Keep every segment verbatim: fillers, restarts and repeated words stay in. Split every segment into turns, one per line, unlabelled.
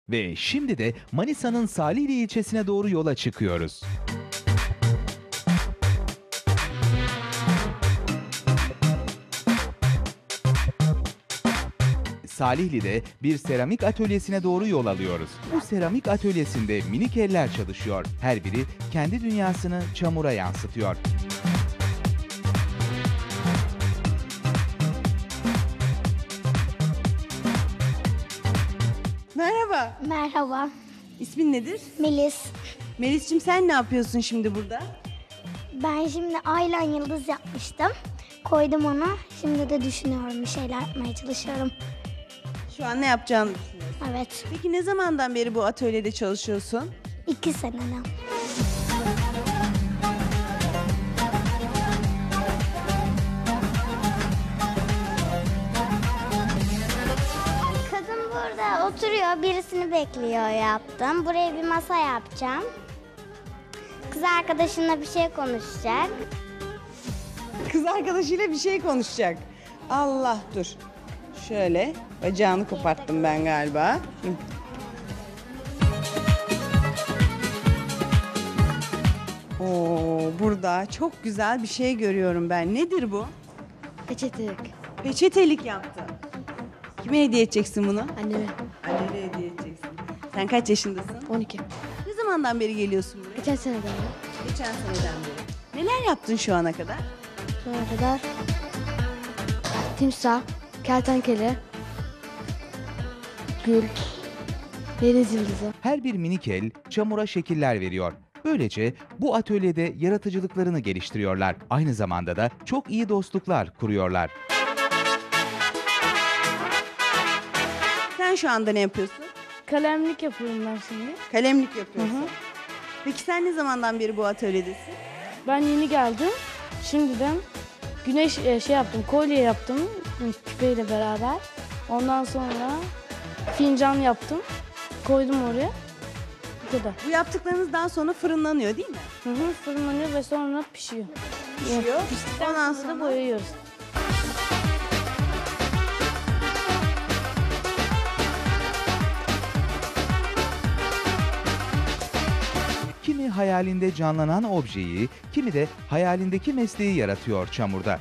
Ve şimdi de Manisa'nın Salihli ilçesine doğru yola çıkıyoruz. Salihli'de bir seramik atölyesine doğru yol alıyoruz. Bu seramik atölyesinde minik eller çalışıyor. Her biri kendi dünyasını çamura yansıtıyor.
Merhaba,
Merhaba,
ismin nedir?
Melis.
Melis'cim sen ne yapıyorsun şimdi burada?
Ben şimdi aylan yıldız yapmıştım. Koydum onu. Şimdi de düşünüyorum, bir şeyler yapmaya çalışıyorum.
Şu an ne yapacağını düşünüyorsun.
Evet,
Peki ne zamandan beri bu atölyede çalışıyorsun?
iki seneden. Kadın burada oturuyor, birisini bekliyor yaptım. Buraya bir masa yapacağım. Kız arkadaşınla bir şey konuşacak.
Kız arkadaşıyla bir şey konuşacak. Allah dur. Şöyle bacağını koparttım ben galiba. Hı. Oo, burada çok güzel bir şey görüyorum ben. Nedir bu?
Peçetelik.
Peçetelik yaptı. Kime hediye edeceksin bunu?
Anneme.
Annene hediye edeceksin. Sen kaç yaşındasın?
on iki.
Ne zamandan beri geliyorsun buraya?
Geçen seneden beri.
Geçen seneden beri. Neler yaptın şu ana kadar?
Şu ana kadar timsah, kertenkele, gül, deniz yıldızı.
Her bir minik el çamura şekiller veriyor. Böylece bu atölyede yaratıcılıklarını geliştiriyorlar. Aynı zamanda da çok iyi dostluklar kuruyorlar.
Sen şu anda ne yapıyorsun?
Kalemlik yapıyorum ben şimdi.
Kalemlik yapıyorsun.
Hı hı.
Peki sen ne zamandan beri bu atölyedesin?
Ben yeni geldim. Şimdiden güneş e, şey yaptım, kolye yaptım küpeyle beraber. Ondan sonra fincan yaptım. Koydum oraya. Bu kadar.
Bu yaptıklarınız daha sonra fırınlanıyor değil mi?
Hı hı, fırınlanıyor ve sonra pişiyor.
Pişiyor.
Piştikten
Ondan
sonra da
sonra
boyuyoruz.
Kimi hayalinde canlanan objeyi, kimi de hayalindeki mesleği yaratıyor çamurda.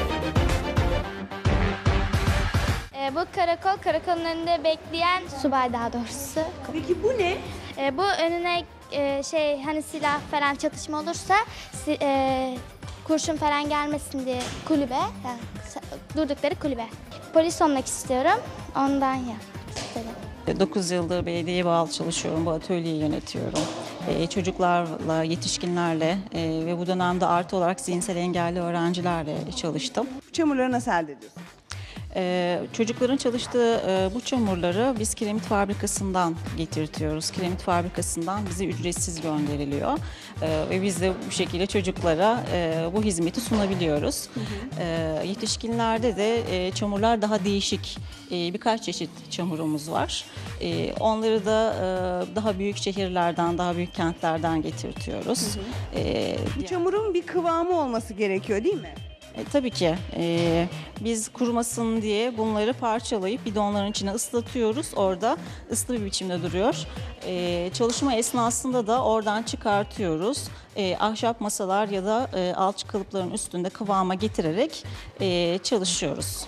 E, bu karakol, karakolun önünde bekleyen subay daha doğrusu.
Peki bu ne?
E, bu önüne e, şey hani silah falan çatışma olursa si- e, kurşun falan gelmesin diye kulübe, yani sa- durdukları kulübe. Polis olmak istiyorum, ondan ya istedim.
dokuz yıldır belediyeye bağlı çalışıyorum, bu atölyeyi yönetiyorum. Ee, çocuklarla, yetişkinlerle e, ve bu dönemde artı olarak zihinsel engelli öğrencilerle çalıştım.
Bu çamurları nasıl elde ediyorsun?
Ee, çocukların çalıştığı e, bu çamurları biz kiremit fabrikasından getirtiyoruz. Kiremit fabrikasından bize ücretsiz gönderiliyor. Ee, ve biz de bu şekilde çocuklara e, bu hizmeti sunabiliyoruz. Hı hı. Ee, yetişkinlerde de e, çamurlar daha değişik. E, birkaç çeşit çamurumuz var. E, onları da e, daha büyük şehirlerden, daha büyük kentlerden getirtiyoruz. Hı hı. E,
Bu çamurun bir kıvamı olması gerekiyor değil mi?
E, tabii ki. E, biz kurumasın diye bunları parçalayıp bidonların içine ıslatıyoruz. Orada ıslı bir biçimde duruyor. E, çalışma esnasında da oradan çıkartıyoruz. E, ahşap masalar ya da e, alçı kalıpların üstünde kıvama getirerek e, çalışıyoruz.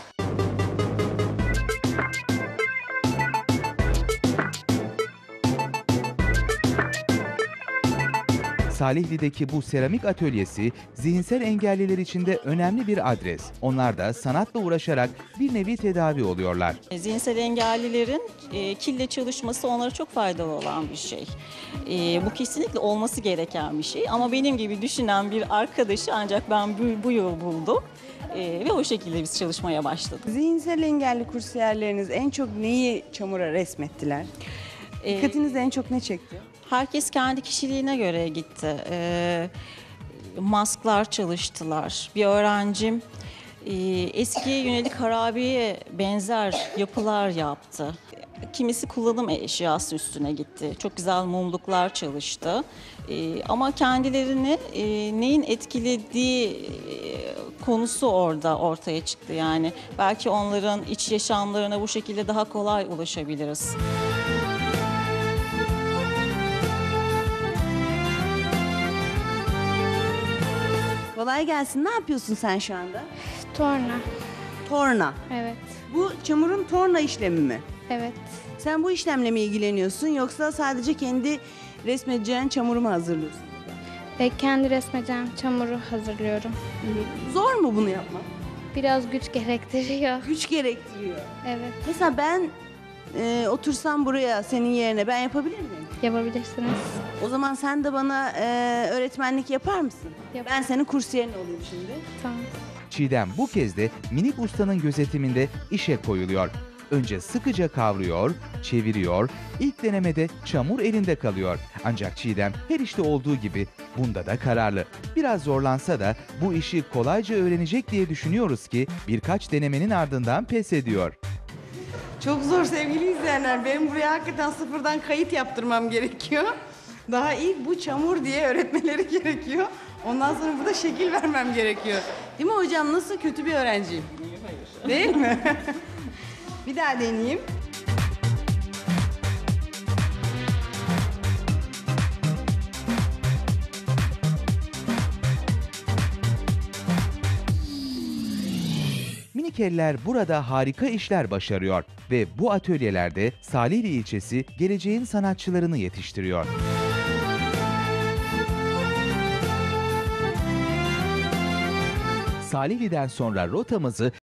Salihli'deki bu seramik atölyesi zihinsel engelliler için de önemli bir adres. Onlar da sanatla uğraşarak bir nevi tedavi oluyorlar.
E, Zihinsel engellilerin e, kille çalışması onlara çok faydalı olan bir şey. E, bu kesinlikle olması gereken bir şey. Ama benim gibi düşünen bir arkadaşı ancak ben bu, bu yıl buldum. E, ve o şekilde biz çalışmaya başladık.
Zihinsel engelli kursiyerleriniz en çok neyi çamura resmettiler?
E,
Dikkatinizi en çok ne çekti?
Herkes kendi kişiliğine göre gitti. E, masklar çalıştılar. Bir öğrencim e, eskiye yönelik harabeye benzer yapılar yaptı. Kimisi kullanım eşyası üstüne gitti. Çok güzel mumluklar çalıştı. E, ama kendilerini e, neyin etkilediği e, konusu orada ortaya çıktı. Yani belki onların iç yaşamlarına bu şekilde daha kolay ulaşabiliriz.
Kolay gelsin. Ne yapıyorsun sen şu anda?
Torna.
Torna.
Evet.
Bu çamurun torna işlemi mi?
Evet.
Sen bu işlemle mi ilgileniyorsun yoksa sadece kendi resmedeceğin çamuru mu hazırlıyorsun?
Ve kendi resmeden çamuru hazırlıyorum.
Zor mu bunu yapmak?
Biraz güç gerektiriyor.
Güç gerektiriyor.
Evet.
Mesela ben e, otursam buraya senin yerine ben yapabilir miyim?
Yapabilirsiniz.
O zaman sen de bana e, öğretmenlik yapar mısın?
Yap.
Ben senin kursiyerin olayım şimdi.
Tamam.
Çiğdem bu kez de minik ustanın gözetiminde işe koyuluyor. Önce sıkıca kavruyor, çeviriyor, ilk denemede çamur elinde kalıyor. Ancak Çiğdem her işte olduğu gibi bunda da kararlı. Biraz zorlansa da bu işi kolayca öğrenecek diye düşünüyoruz ki birkaç denemenin ardından pes ediyor.
Çok zor sevgili izleyenler. Benim buraya hakikaten sıfırdan kayıt yaptırmam gerekiyor. Daha ilk bu çamur diye öğretmeleri gerekiyor. Ondan sonra burada şekil vermem gerekiyor. Değil mi hocam? Nasıl, kötü bir öğrenciyim? Değil mi? Bir daha deneyeyim.
Minik eller burada harika işler başarıyor ve bu atölyelerde Salihli ilçesi geleceğin sanatçılarını yetiştiriyor. Salihli'den sonra rotamızı